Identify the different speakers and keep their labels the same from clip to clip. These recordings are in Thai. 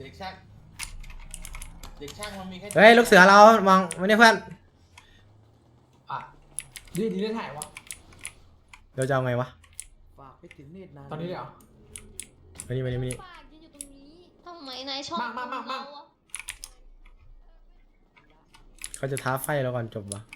Speaker 1: เด็กช่างมันมีแค่
Speaker 2: เฮ้ยลูกเสือเรามองไม่ได้เพื่อน
Speaker 3: อ่ะดีได้ถ่ายวะ
Speaker 2: เราจะเอาไงวะ
Speaker 4: ฝากไปถึงเนตรนาน
Speaker 3: ตอนนี้เลยเหรอ
Speaker 2: มานี่
Speaker 5: ปากยืนอยู่ตรงนี้ทำไมนายชอบ
Speaker 3: มา
Speaker 5: เราอะ
Speaker 2: เขาจะท้าไฟเราก่อนจบวะ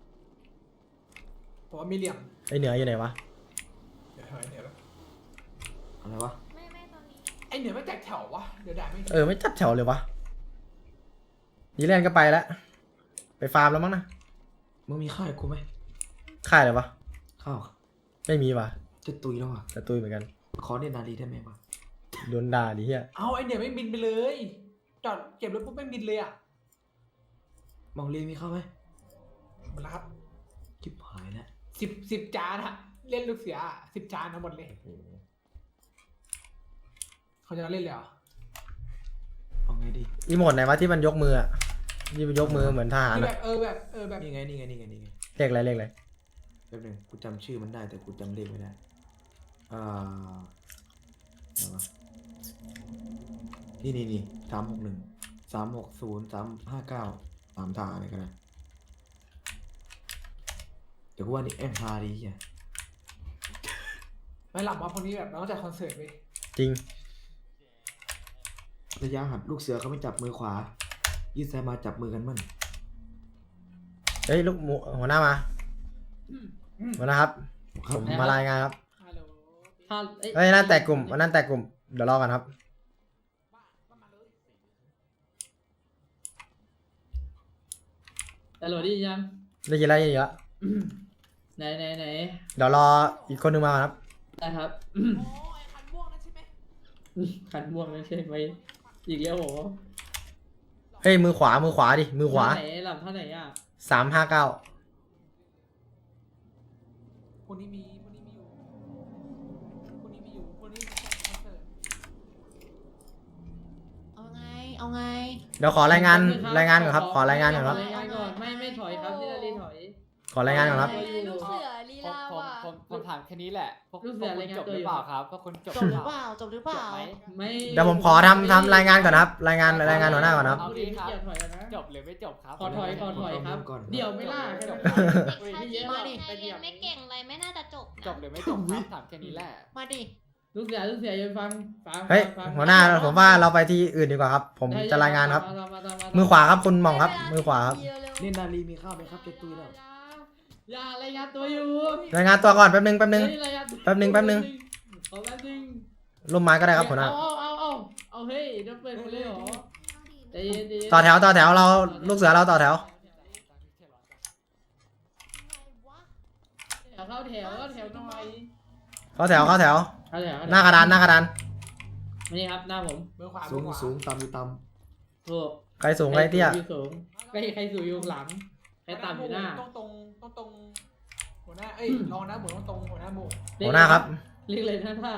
Speaker 3: ผมว่ามีเหลี่ยม
Speaker 2: ไอเหนืออยู่ไหนวะ
Speaker 3: เดี๋ยวเหนือ
Speaker 4: อะไรวะ
Speaker 5: ไม่ตอนนี้
Speaker 3: ไอเหนือไม่แตกแถววะเดี๋ยวด่าไม่
Speaker 2: ไม่จับแถวเลยวะยีแลนก็ไปแล้วไปฟาร์มแล้วมั้งนะ
Speaker 4: มึงมีข้าวให้กูไหม
Speaker 2: ค่ายเลยวะ
Speaker 4: ข้าว
Speaker 2: ไม่มีวะ
Speaker 4: จะตุยแล้วอ่ะ
Speaker 2: แต่ตุยเหมือนกัน
Speaker 4: ขอเนตรนารีได้ไหมวะ
Speaker 2: โดนด่าดิเฮีย
Speaker 3: เอาไอเหนือไม่บินไปเลยจอดเก็บรถปุ๊บไม่บินเลยอ่ะ
Speaker 4: มองเรียนมีข้าวไหม
Speaker 3: หมดแล้วครับ
Speaker 4: จิบหายแล้ว
Speaker 3: สิบจานอะเล่นลูกเสือ10 จานทั้งหมดเลยเขาจะเล่นเลยเหรอ
Speaker 4: เอาไงดี
Speaker 2: อีโมดไหนวะที่มันยกมืออะที่มันยกมือเหมือนทหาร
Speaker 3: ที่แบ
Speaker 2: อะ
Speaker 3: บแบบ
Speaker 4: นี่ไง
Speaker 2: เลขอะไรเลขอะไร
Speaker 4: แป๊บนึงกูจำชื่อมันได้แต่กูจำเลขไม่ได้อะไรวะนี่361 360 359 3ทางอะไรกันนะเดี๋ยวกูว่านี่แอมพาดีอ่ะ
Speaker 3: ไม่หลับว่าพวกนี้แบบเราต้องจัดคอนเสิร์ตไป
Speaker 2: จริง
Speaker 4: ระยะหัดลูกเสือเขาไม่จับมือขวายืดซ้ายมาจับมือกันมั่น
Speaker 2: เฮ้ยลูกหมูหัวหน้ามาหัวหน้าครับ
Speaker 4: ครั
Speaker 2: ผ
Speaker 4: บ
Speaker 2: มมารายงานครับ
Speaker 3: ฮัลโหล
Speaker 2: เฮ้ยนั่นแตกกลุ่มนั่นแตกกลุ่มเดี๋ยวรอกันครับ
Speaker 6: แต่โหลดได้ยัง
Speaker 2: ได้ยินแล้วได้ยินแล้ว
Speaker 6: ไหน
Speaker 2: เดี๋ยวรออีกคนนึงมาก่อนครับ
Speaker 6: ได้ครับ
Speaker 3: โอ้ยคันม่วงนั่นใช่ไหม
Speaker 6: ขันม่วงนั่นใช่ไหมอีกแล้วโห
Speaker 2: เฮ้ยมือขวาดิมือขวา
Speaker 6: ไหนหลับเท่าไหร่อ่ะ
Speaker 2: 359
Speaker 3: คนนี้มีอยู่คนนี้จัดคอนเสิร์ต
Speaker 5: เอาไง
Speaker 2: เดี๋ยวขอรายงานก่อนครับขอรายงานก่อนครับ
Speaker 6: รายงานก่อนไม่ถอยครับนี่นารีถอย
Speaker 2: ขอรายงานก่อนครับ
Speaker 5: ลูกเสือลีลาว่ะ
Speaker 7: ผมถามแค่นี้แหละพวก
Speaker 6: ลูกเสื
Speaker 7: คุ
Speaker 6: อ
Speaker 7: ณ
Speaker 6: รายงาน
Speaker 7: จบ
Speaker 6: ตัว
Speaker 7: ห
Speaker 6: อ
Speaker 7: รื
Speaker 6: ยู่
Speaker 7: อเปล่าครับพวกคุณจบ
Speaker 5: จบหรือเปล่า
Speaker 7: จบไหม
Speaker 6: ไม่
Speaker 2: เดี๋ยวผมขอทำรายงานก่อนนะครับ รายงานหัวหน้าก่อนครับ
Speaker 6: เอาดิไม่เกี่ยวถอยนะ
Speaker 7: จบหรือไม่จบครับ
Speaker 6: ขอถอยครับ
Speaker 4: ก่อน
Speaker 6: เดี๋ยวไม่ล่า
Speaker 7: จบ
Speaker 5: เด็กชายจีนไงเรียนไม่เก่งอะไรไม่น่าจะจบ
Speaker 7: จบหรือไม่จบครับถามแค่นี้แหละ
Speaker 5: มาดิ
Speaker 6: ลูกเสือยังฟัง
Speaker 2: เฮ้ยหัวหน้าผมว่าเราไปที่อื่นดีกว่าครับ ผมจะรายงานครับ มือขวาครับคุณหม่องครับ มือขวาครับ
Speaker 4: เนตรนารีมีข้าวไหมครับจะตุยแล้ว
Speaker 6: อย่ารายงานตัวอยู่
Speaker 2: รายงานตัวก่อนแป๊บนึง
Speaker 6: เฮ้ยรายงาน
Speaker 2: แป๊บนึง
Speaker 6: ขอแป๊บนึง
Speaker 2: ร่มไม้ก็ได้ครับหัวหน้า
Speaker 6: เอาเฮ้ยเดี๋ยวเปิดคนเลยเหรอใจเย็น
Speaker 2: ต่อแถวเราลูกเสือเราต่อแถว
Speaker 6: เข้าแถวหน่อย
Speaker 2: เข้าแถว
Speaker 6: เข้าแถว
Speaker 2: หน้ากระดาน
Speaker 6: นี่ครับหน้าผม
Speaker 3: มือขวา
Speaker 4: สูงต่ำอยู่ต่
Speaker 6: ถูก
Speaker 2: ใครสูงใครเตี้ย
Speaker 6: สูงใครสูงอยู่หลังใครต่ำอยู่หน้า
Speaker 3: ต้องตรงหัวหน้ารองนะหมูต้องตรงหัวหน้าหมู
Speaker 2: หัวหน้าครับ
Speaker 6: เรียกเลยนะถ้า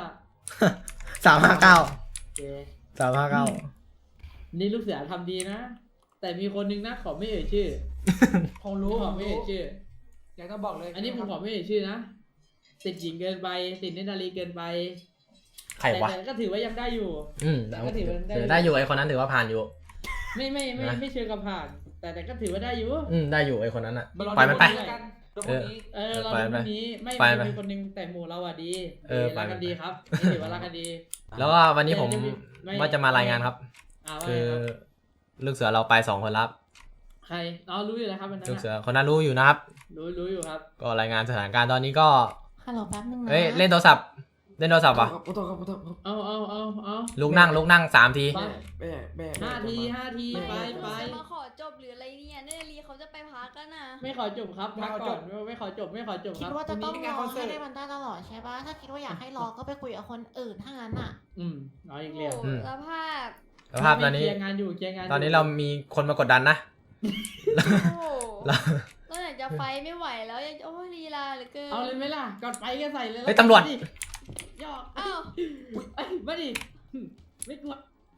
Speaker 2: 359 359
Speaker 6: นี่ลูกเสือทำดีนะ แต่มีคนนึงนะขอไม่เอ่ยชื่อ
Speaker 3: คงรู้
Speaker 6: ขอไม่เอ่ยชื่อ
Speaker 3: อยากต้องบอกเลย
Speaker 6: อันนี้ผมขอไม่เอ่ยชื่อนะติดหญิงเกินไปติดเนตรนารีเกินไป
Speaker 2: ใครวะ
Speaker 6: แต่ก็ถือว่ายังได้อยู่ ก็ถือว่าได้
Speaker 2: ได้อยู่ไอคนนั้นถือว่าผ่านอยู่
Speaker 6: ไม่เชิงกับผ่าน แต่ก็ถือว่าได้อยู่
Speaker 2: ได้อยู่ไอคนนั้นอ่ะ
Speaker 3: มาลอง
Speaker 2: ปล่อยมันไป
Speaker 3: ดูกันตัวพวกนี้
Speaker 6: เราดูวันนี้ไม่
Speaker 2: ไปไป
Speaker 6: มีคนนึงแต่หมู่เราอ่ะดี
Speaker 2: ไป
Speaker 6: รักกันดีครับนี่ถือว่ารักกันดี
Speaker 2: แล้วก็วันนี้ผม
Speaker 6: ไม่
Speaker 2: ว่าจะมารายงานครับ
Speaker 6: ว่า
Speaker 2: คือ
Speaker 6: ไงรับ
Speaker 2: ลูกเสือเราไป2 คนรับ
Speaker 6: ใครรู้อยู่แล้วครับวันนั้น
Speaker 2: ลูกเสื
Speaker 6: อะ
Speaker 2: อคนนั้นรู้อยู่นะครับ
Speaker 6: รู้อยู่ครับ
Speaker 2: ก็รายงานสถานการณ์ตอนนี้ก็
Speaker 5: ฮัลโหลแป๊บนึงนะ
Speaker 2: เล่นโทรศัพท์
Speaker 4: ำ
Speaker 2: วะ
Speaker 4: ขอโทษครับ
Speaker 6: เอา
Speaker 2: ลุกนั่ง3 ที
Speaker 6: ไป
Speaker 4: แม่
Speaker 6: 5 ทีไป
Speaker 5: จะมาขอจบหรืออะไรเนี่ยเนตรลีเขาจะไปพักกันนะ
Speaker 6: ไม่ขอจบครับพักก่อนไม่ขอจบค
Speaker 8: คิ
Speaker 6: รั
Speaker 8: ด
Speaker 6: บ
Speaker 8: ว่าจะต้องรอให้ได้มันได้ตลอดใช่ปะถ้าคิดว่าอยากให้รอก็ไปคุยกับคนอื่นถ้างั้นอ่ะ
Speaker 6: เอาอีกแล้ว
Speaker 5: โอ้แล้วภาพ
Speaker 2: สภาพตอนนี้
Speaker 6: เคลียร์งานอยู่
Speaker 2: ตอนนี้เรามีคนมากดดันนะ
Speaker 5: โอ้ก็ไหนจะไฟไม่ไหวแล้วยังโอ้ยลีลาเหลือเกิน
Speaker 6: เอาเลยไหมล่ะกดไปก็ใส่เลย
Speaker 2: เฮ้ยตำรวจ
Speaker 6: หยอก
Speaker 5: อ้าว
Speaker 6: มาดิไม่กลัว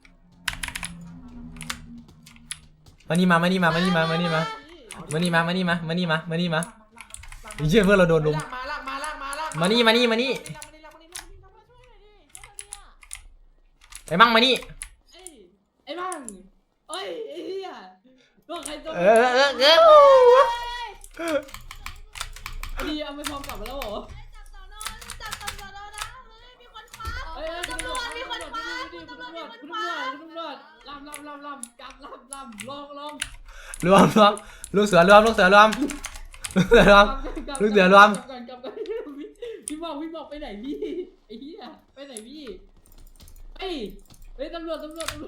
Speaker 2: มานี่มาไอ้เชื่อเพื่อนเราโดนลุม
Speaker 3: ลากมา
Speaker 2: มานี่ไอ้มั่งมานี่
Speaker 6: เอ้ยยไอ้เหี้ยตัวใครตัว ดีเอาไปพร้อมกลับมาแล้วเหรอ
Speaker 5: จับสอนอจับตำรวจแล้วนะเฮ้ยมีคนคว้า
Speaker 6: เอ้ย
Speaker 5: ตำรวจมีคนคว้า
Speaker 6: คุณตำรวจลำจับลำลอง
Speaker 2: รวมลูกเสือรวมลูกเสือรวมลูกเสือรวม ลูกเสือรวม
Speaker 6: กลับกันพี่บอกไปไหนพี่ไอ้เหี้ยไปไหนพี่เฮ้ยตำรวจ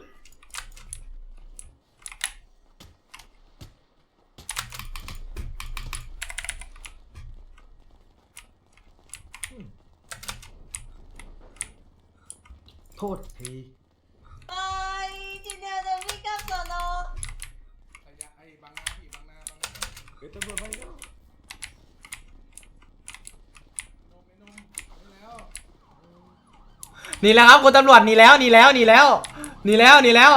Speaker 4: โทษที
Speaker 5: ไอ้จีเดียวจะวิ่งกลับสอนอ
Speaker 1: ไอ้บางนาพี่บางนา
Speaker 4: เฮ้ยตำรวจมาแล้ว
Speaker 2: หนีแล้วครับคุณตำรวจหนีแล้วหนีแล้วหนีแล้วหนีแล้วหนีแล้ว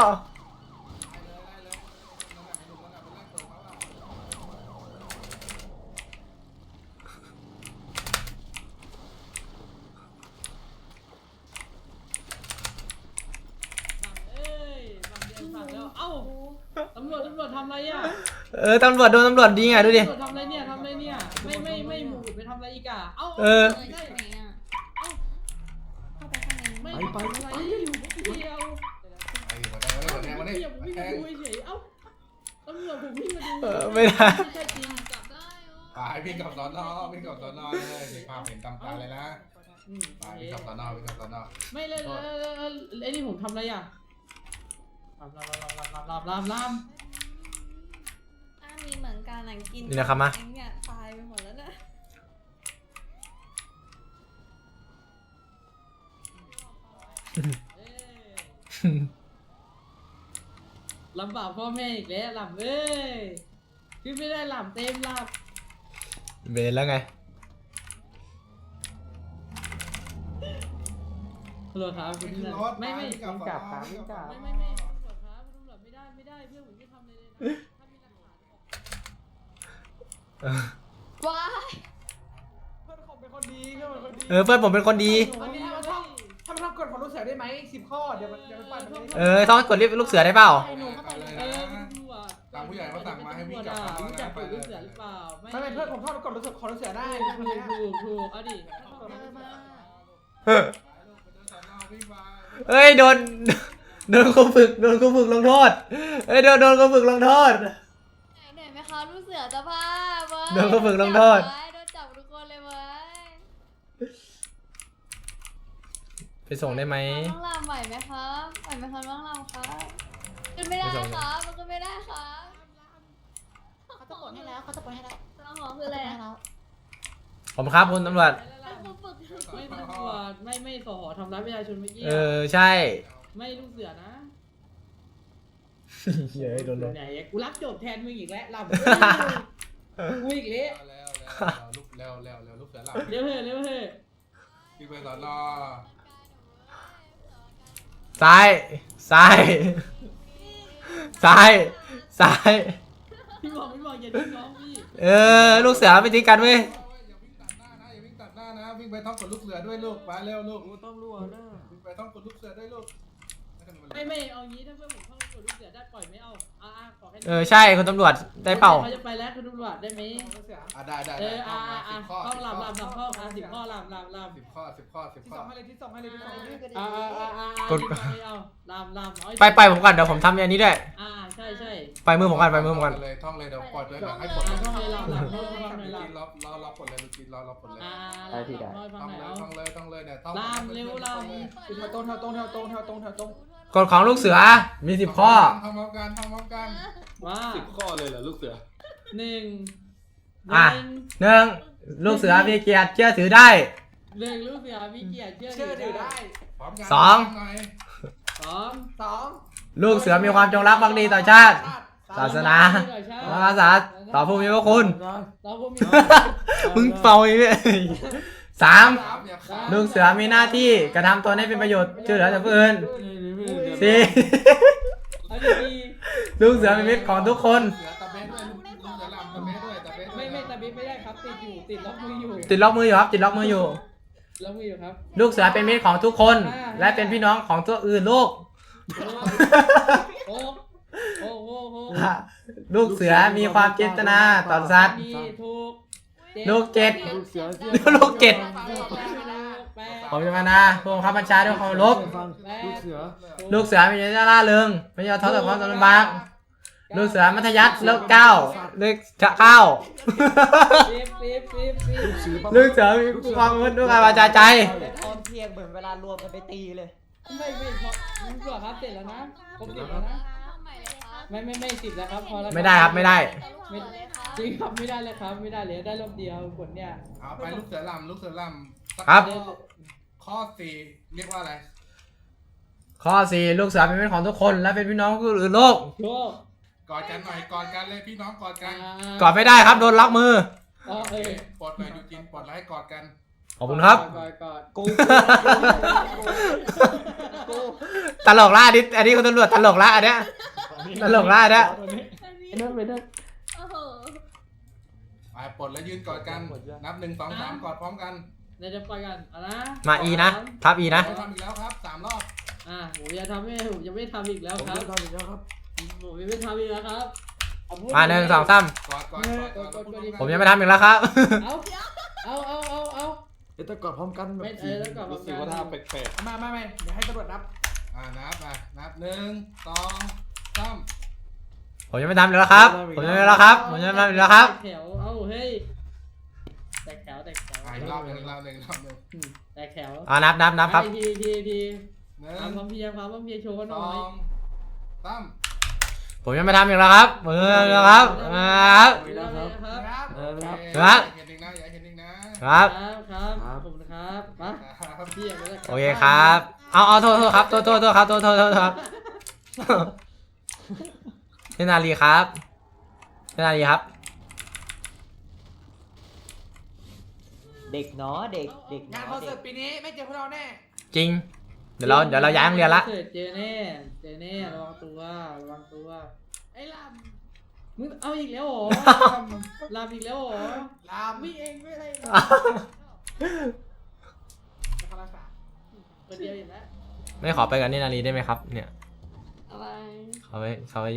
Speaker 6: ฝั่งแล้วเอ้าตำรวจทำอะไรอ่ะ
Speaker 2: ตำรวจโดนตำรวจดีไงดูดิ
Speaker 6: ตำรวจทำอะไรเนี่ยไม่หมุนไปทำอะไรอีกอ่ะเอ้า
Speaker 5: ไหนอ่ะเข้าไปข้างใน
Speaker 6: ไม่อะไรอยู่เดียว
Speaker 1: ไอ้มาได้มาได้มาได้
Speaker 6: ผมวิ่ง
Speaker 1: แท
Speaker 6: มาง ดูเฉยเอ้าตำรวจผมวิ่งมาดู
Speaker 2: ไม่ได้
Speaker 6: ใช่จริง
Speaker 5: จับได้เหรอ
Speaker 1: ไปวิ่งกับสอนอวิ่งกับสอนอเลยเห็นภาพเห็นตามตาเลยนะไปวิ่งกับสอนอวิ่งกับสอนอ
Speaker 6: ไม่เลยไอ้นี่ผมทำอะไรอ่ะลำ
Speaker 5: มีเหมือนกันหนังกิน
Speaker 2: นี่นะครับมา
Speaker 5: เนี่ยตายไปหมดแล้วนะ
Speaker 6: ลำบากพ่อแม่อีกแล้วลำเอ้ยขึ้นไม่ได้ลำเต็มลำ
Speaker 2: เบนแล้วไง
Speaker 6: ตำรวจครับคุณนั่นไม่
Speaker 1: วิ่งกับสอนอวิ่งกับ
Speaker 6: ตำรวจครับตำรวจไม่ได้เพื่อนผมไม่ทำอะไรเลยนะถ้ามีหลักฐาน
Speaker 5: ว้าย
Speaker 3: เพื่อนผมเป็นคนดีเพื่อนเป็นคนดี
Speaker 2: เพื่อนผมเป็นคนดี
Speaker 3: วันนี้เราท่องทำกฎของลูกเสือได้ไหม10 ข้อเดี๋ยวมันปล่อยมันเลย
Speaker 2: ต้องกดลิฟต์ลูกเสือได้เปล่า
Speaker 1: ไปเลยนะตามผู้ใหญ่เขาสั่งมาให้วิ่งกับเขา
Speaker 6: รู้จักกฎลูกเสือหรือเปล่า
Speaker 3: ไม่เพื่อนผมท่องกฎของลูกเสือได้
Speaker 6: ถูกเอาดิ
Speaker 2: เฮ้ยโดนครูฝึกลงโทษเฮ้ยโดนครูฝึกลงโทษ
Speaker 5: ไหนไหมคะลูกเสือจะพาเว้ย
Speaker 2: โดนเขาฝึกลงโทษ
Speaker 5: โดนจับทุกคนเลยเว้ย
Speaker 2: ไปส่งได้ไหม
Speaker 5: ต้องลำไหวไหมครับไหวไหมครับต้องลำครับขึ้นไม่ได้ครับมันขึ้นไม่ได้ครับ
Speaker 8: เขาจะปลดให้แล้วเขาจะปลดให้แล้ว
Speaker 5: ต้องหอคืออะไร
Speaker 8: ให้
Speaker 5: อะ
Speaker 8: แล้ว
Speaker 2: ผมครับคุณตำรวจ
Speaker 5: เป็นครูฝึก
Speaker 6: ไม่ตำรวจไม่สหทำร้ายประชาชนเมื่อกี้
Speaker 2: ใช่
Speaker 6: ไม่ลูกเสือนะ
Speaker 2: เฮ้ยโดน
Speaker 6: ไหนกูรับโจทย์แทนมึงอีกแล้วลำกูอีกแล้ว
Speaker 1: แล้วลูกลูกเสือหลับ
Speaker 6: เร็วเฮ้
Speaker 1: วิ่งไปสอนอ
Speaker 2: ซ้าย
Speaker 6: พี่บอกอย่าดิ้นน้องพี่
Speaker 2: ลูกเสือไม่ทิ้งกันเว้ย
Speaker 1: อย่าวิ่งตัดหน้านะอย่าวิ่งตัดหน้านะวิ่งไปท่องกดลูกเสือด้วยลูกไปเร็วลูก
Speaker 4: ต้องรู้นะ
Speaker 1: วิ่งไปท่องกดลูกเสือด้วยลูก
Speaker 6: ไม่เอางี้ถ้าเพื่อนผมเข้ากดลูกเสือได้ปล่อยไม่เอาขอแค่
Speaker 2: ใช่คุณตำรวจได้เปล่า
Speaker 6: เขาจะไปแล้วคุณตำรวจได้ไหม
Speaker 3: ลูกเสือ
Speaker 1: ได้
Speaker 6: ข้อลำข้อ10 ข้อลำ
Speaker 1: 10 ข้อ
Speaker 3: ที่ส่งให้เลยที่ส่งให้เลย
Speaker 2: ไปผมก่อนเดี๋ยวผมทำอันนี้ด้วย
Speaker 6: ใช่
Speaker 2: ไปมือผมก่อน
Speaker 1: เลยท่องเลยเดี๋ยวปล่อยเลยให้กด
Speaker 6: ท่องเลยลำ
Speaker 1: รอปลดเลยลูกจีนรอปลดเลย
Speaker 6: ฟังไหนเอา
Speaker 1: ท่องเลยเนี่ยท่อง
Speaker 6: ลำเร็วล
Speaker 3: แถวตรงแถวตรงแถวตรงแถวตรงแถวตรง
Speaker 2: กฎของลูกเสือมี10 ข้อ
Speaker 1: ทำพร้อมกัน
Speaker 6: ำว่า
Speaker 4: 10 ข้อเลยเหรอลูกเสือ
Speaker 6: 1
Speaker 2: 1ลูกเสือมีเกียรติเชื่อถือได้
Speaker 6: ลูกเสือมีเกียรติ
Speaker 3: เชื่อถือได้
Speaker 2: 2ลูกเสือมีความจงรักภักดีต่อชาติ ศาสนาพระมหากษัตริย์ต่อผู้มีพระคุณ
Speaker 6: เราพวกมี
Speaker 2: มึงเป่าอีกเลย3ลูกเสือมีหน้าที่กระทำตนให้เป็นประโยชน์ช่วยเหลือจากผู้อื่น 4ลูกเสือเป็นมิตรของทุกคน
Speaker 6: ไม่ตะบิไม่ได้ครับติดล็อกมืออยู่
Speaker 2: ติดล็อกมืออยู่ครับ
Speaker 6: ครับ
Speaker 2: ลูกเสือเป็นมิตรของทุกคน และเป็นพี่น้องของตัวอื่นลูก
Speaker 6: โอ้
Speaker 2: ลูกเสือมีความเจตนาต่อสัตว์
Speaker 6: มีถูก
Speaker 2: ลูกเจ็ด
Speaker 4: ลูกเสือ
Speaker 2: ลูกเจ็ด
Speaker 6: แปด
Speaker 2: ผมจะมานะผู้บังคับบัญชาด้วยความเคารพ
Speaker 4: ฟังลูกเสือ
Speaker 2: ลูกเสือมีเจตนาล่าเริงไม่ยอมท้อต่อความลำบากลูกเสือมัธยัสถ์เลขเก้าเลขเก้า
Speaker 6: สิบ
Speaker 2: ลูกเสือมีความมุ่งด้วยการวาจาใจ
Speaker 9: ตอนเที่ยงเหมือนเวลารวมกันไปตีเลย
Speaker 6: ไม่พอมึงเสือครับเสร็จแล้วนะครบ10แล้วนะ
Speaker 5: ทำใหม่เลยครับ
Speaker 6: ไม่10แล้วครับพอแล้ว
Speaker 2: ไม่ได้ครับไม่ได้
Speaker 5: ไม่เลยครับ
Speaker 6: จริงครับไม่ได้เลยครับไม่ได้เลยได้รอบเดียวผลเนี่ย
Speaker 1: เอาไปลูกเสือลำลูกเสือลำ
Speaker 2: ครับ
Speaker 1: ข้อสี่เรียกว่าอะไร
Speaker 2: ข้อ 4 ลูกเสือเป็นเพื่อนของทุกคนและเป็นพี่น้องผู้อื่นโลก
Speaker 6: โชค
Speaker 1: กอดกันหน่อยกอดกันเลยพี่น้องกอดกัน
Speaker 2: กอดไม่ได้ครับโดนล็อกมือ
Speaker 6: อ๋อ
Speaker 1: ปลดหน่อยยูจินปลดแล้วให้กอดกัน
Speaker 2: ขอบคุณครับ
Speaker 6: กอด
Speaker 9: กู
Speaker 2: ตลกละอันนี้คุณตำรวจตลกละอันเนี้ยตลกละอันเนี้ย
Speaker 6: ไม่ได้
Speaker 5: โอ้โห
Speaker 1: ไปปลดแล้วยืนกอดกัน นับ1 2 3กอดพร้อมกัน
Speaker 6: เดี๋ยวจะปล่อยกันเอานะ
Speaker 2: มาอีนะทับอีนะ
Speaker 1: เราทำอีกแล้วครับ3 รอบ
Speaker 6: ผมจะทำผมจะไม่ทำอีกแล้ว
Speaker 4: ผม
Speaker 6: ครับ
Speaker 4: จะทำอีกแล้วครับ
Speaker 6: ผมจะไม่ทำอีกแล้วครับ
Speaker 2: มา1 2 3
Speaker 1: กอดกอดกอดกอด
Speaker 2: ผมยังไม่ทำอีกแล้วครับ
Speaker 6: เอา
Speaker 4: เดี๋ยวจะกอดพร้อมกันแบบ
Speaker 6: ไม่แล้วกลับมา
Speaker 3: รู้สึกว่าถ้าแปลก
Speaker 6: ไม่เดี๋ยวให้ตำรวจนับ
Speaker 1: นับ1 2 3
Speaker 2: ผมยังไม่ทำอีกแล้วครับผมยังไม่ทำอีกแล้วครับผมยังไม่ทำอีกแล้วครับ
Speaker 6: แถวเอาเฮ้ยแตกแถว
Speaker 1: อีกรอบหนึ่ง
Speaker 6: แตกแถว
Speaker 2: นับครับ
Speaker 6: ที
Speaker 1: 1
Speaker 6: ความพร้อมเพรียงโชว์หน่อย
Speaker 1: 2 3
Speaker 2: ผมยังไม่ทำอีกแล้วครับผมยังไม่ทำอีกแล้วครับครับ
Speaker 6: ครับ
Speaker 2: ครับ
Speaker 1: เห็นอีกนะอย่าเห็นอีกนะ
Speaker 2: ครับ
Speaker 6: ครับขอบคุณครับมา
Speaker 1: ครับ
Speaker 6: พี่อยากจะ
Speaker 2: โอเคครับเอาโทษครับโทษครับโทษครับพี่นาลีครับพี่นาลีครับ
Speaker 9: เด็กเนาะเด็ก
Speaker 3: งานคอนเสิร์ตปีนี้ไม่เจอพวกเราแน่
Speaker 2: จริงเดี๋ยวเราย้ายโรงเรียนละ
Speaker 6: เจอแน่ระวังตัวไอ้ลำมึงเอาอีกแล้วเหรอลำอีกแล้วเหรอ
Speaker 3: ลาม
Speaker 6: ไม่เองไม่อะไร
Speaker 3: คาราสา
Speaker 6: คนเดียวอีกแล้ว
Speaker 2: ไม่ขอไปกับนี่นาลีได้ไหมครับเนี่ย
Speaker 5: อะไร
Speaker 2: เขาไป